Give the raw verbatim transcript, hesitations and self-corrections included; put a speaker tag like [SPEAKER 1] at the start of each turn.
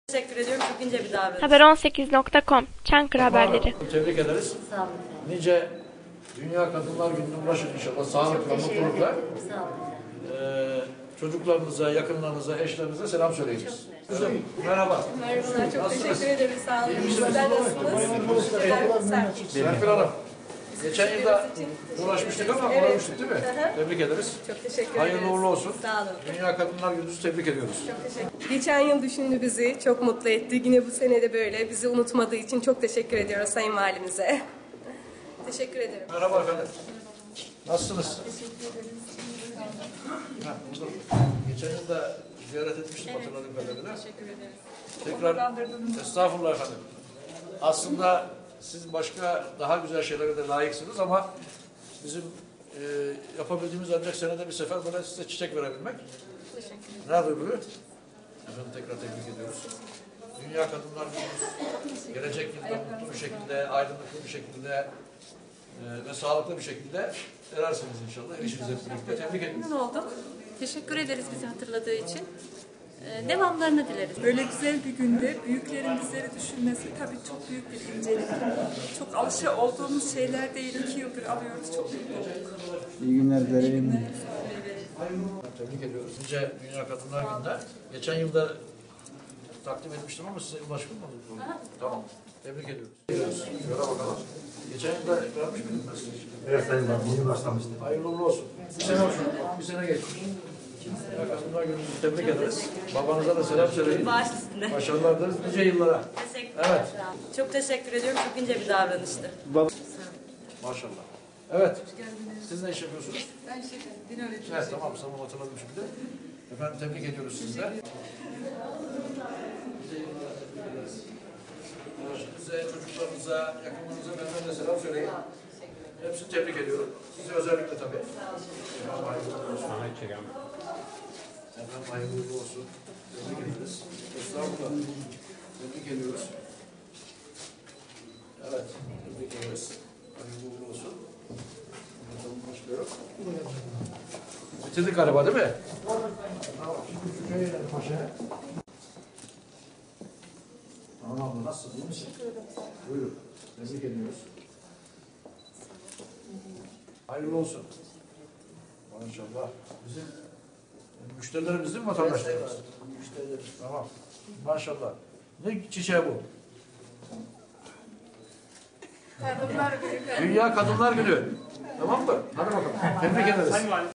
[SPEAKER 1] Teşekkür ediyorum. Çok ince bir davranış.
[SPEAKER 2] haber on sekiz nokta com Çankırı haberleri.
[SPEAKER 3] Tebrik ederiz.
[SPEAKER 1] Sağ olun.
[SPEAKER 3] Nice Dünya Kadınlar Günü'ne ulaşın inşallah. Sağlıkla, mutlulukla.
[SPEAKER 1] Sağ olun.
[SPEAKER 3] Ee, çocuklarınıza, yakınlarınıza, eşlerinize selam söyleyiniz. Kızım, merhaba.
[SPEAKER 4] Merhabalar, çok
[SPEAKER 3] Nasılsınız?
[SPEAKER 4] teşekkür ederim. Sağ olun.
[SPEAKER 3] İyi misiniz?
[SPEAKER 4] Sizler nasılsınız? Serpil.
[SPEAKER 3] Serpil Hanım. Geçen yılda uğraşmıştık ama
[SPEAKER 4] Evet.
[SPEAKER 3] uğramıştık değil mi?
[SPEAKER 4] Tebrik
[SPEAKER 3] ederiz.
[SPEAKER 4] Çok teşekkür
[SPEAKER 3] Hayırlı
[SPEAKER 4] ederiz.
[SPEAKER 3] uğurlu olsun.
[SPEAKER 4] Sağ olun.
[SPEAKER 3] Dünya Kadınlar Günü'nüzü tebrik ediyoruz.
[SPEAKER 4] Çok teşekkür. Geçen yıl düşündü bizi, çok mutlu etti. Yine bu sene de böyle. Bizi unutmadığı için çok teşekkür ediyoruz Sayın Valimize. Teşekkür ederim.
[SPEAKER 3] Merhaba efendim. Nasılsınız? Teşekkür ederim. Geçen yılda ziyaret etmiştim hatırladığım kadarıyla.
[SPEAKER 4] Teşekkür ederiz.
[SPEAKER 3] Tekrar estağfurullah efendim. Aslında siz başka daha güzel şeylere de layıksınız ama bizim e, yapabildiğimiz ancak senede bir sefer böyle size çiçek verebilmek.
[SPEAKER 4] Teşekkür ederim.
[SPEAKER 3] Nerede öbürü? Efendim tekrar tebrik ediyoruz. Dünya Kadınlar Günü'nüz gelecek yılda mutlu bir şekilde, aydınlıklı bir şekilde e, ve sağlıklı bir şekilde erersiniz inşallah. Eşinizle birlikte tebrik ediyoruz.
[SPEAKER 5] Memnun olduk. Teşekkür ederiz bizi hatırladığı için. Ee, devamlarını dileriz.
[SPEAKER 6] Böyle güzel bir günde büyüklerin bizleri düşünmesi tabii çok büyük bir incelik. Çok alışa olduğumuz şeyler değil. İki yıldır alıyoruz. Çok mutlu olduk.
[SPEAKER 7] İyi günler dilerim.
[SPEAKER 3] Tebrik ediyoruz. Nice Dünya Kadınlar Günü'nde. Geçen yılda takdim etmiştim ama size ulaşmış mı? Tamam. Tebrik ediyoruz. Şöyle bakalım. Geçen yılda vermiş miydim ben size?
[SPEAKER 7] Evet Sayın Bakan, yeni başlamıştım.
[SPEAKER 3] Hayırlı uğurlu olsun. Bir sene olsun. Bir sene geçmiş. Dünya Kadınlar Günü'nüzü tebrik ederiz. Babanıza da selam söyleyin.
[SPEAKER 1] Baş üstüne.
[SPEAKER 3] Başarılar dileriz nice yıllara.
[SPEAKER 1] Teşekkürler.
[SPEAKER 3] Evet.
[SPEAKER 1] Sağ olun. Çok teşekkür ediyorum. Çok ince bir davranıştı.
[SPEAKER 3] Maşallah. Evet. Siz ne iş yapıyorsunuz?
[SPEAKER 6] Ben şey, din öğretmeniyim.
[SPEAKER 3] Evet tamam tamam hatırladım şimdi. Efendim tebrik ediyoruz sizi de. Size, çocuklarınıza, yakınlarınıza benden de selam söyleyin. Hepsini tebrik ediyorum. Sizi özellikle tabii. Efendim hayırlı uğurlu olsun. Efendim hayırlı uğurlu olsun. Tebrik ederiz. Estağfurullah. Tebrik ediyoruz. Evet, tebrik ederiz. Hayırlı uğurlu olsun. Bakalım başka yok. Bitirdik galiba değil mi? Tamam. Şimdi şu köye inelim aşağıya. Tamam abla nasılsın? İyi misin? Buyurun. Tebrik ediyoruz. Hayırlı olsun. Maşallah. Bizim müşterilerimiz değil mi vatandaşlarımız? Müşterilerimiz. Tamam. Maşallah. Ne çiçeği bu?
[SPEAKER 6] Kadınlar Günü.
[SPEAKER 3] Dünya Kadınlar Günü. Tamam mı? Hadi bakalım. Tebrik ederiz.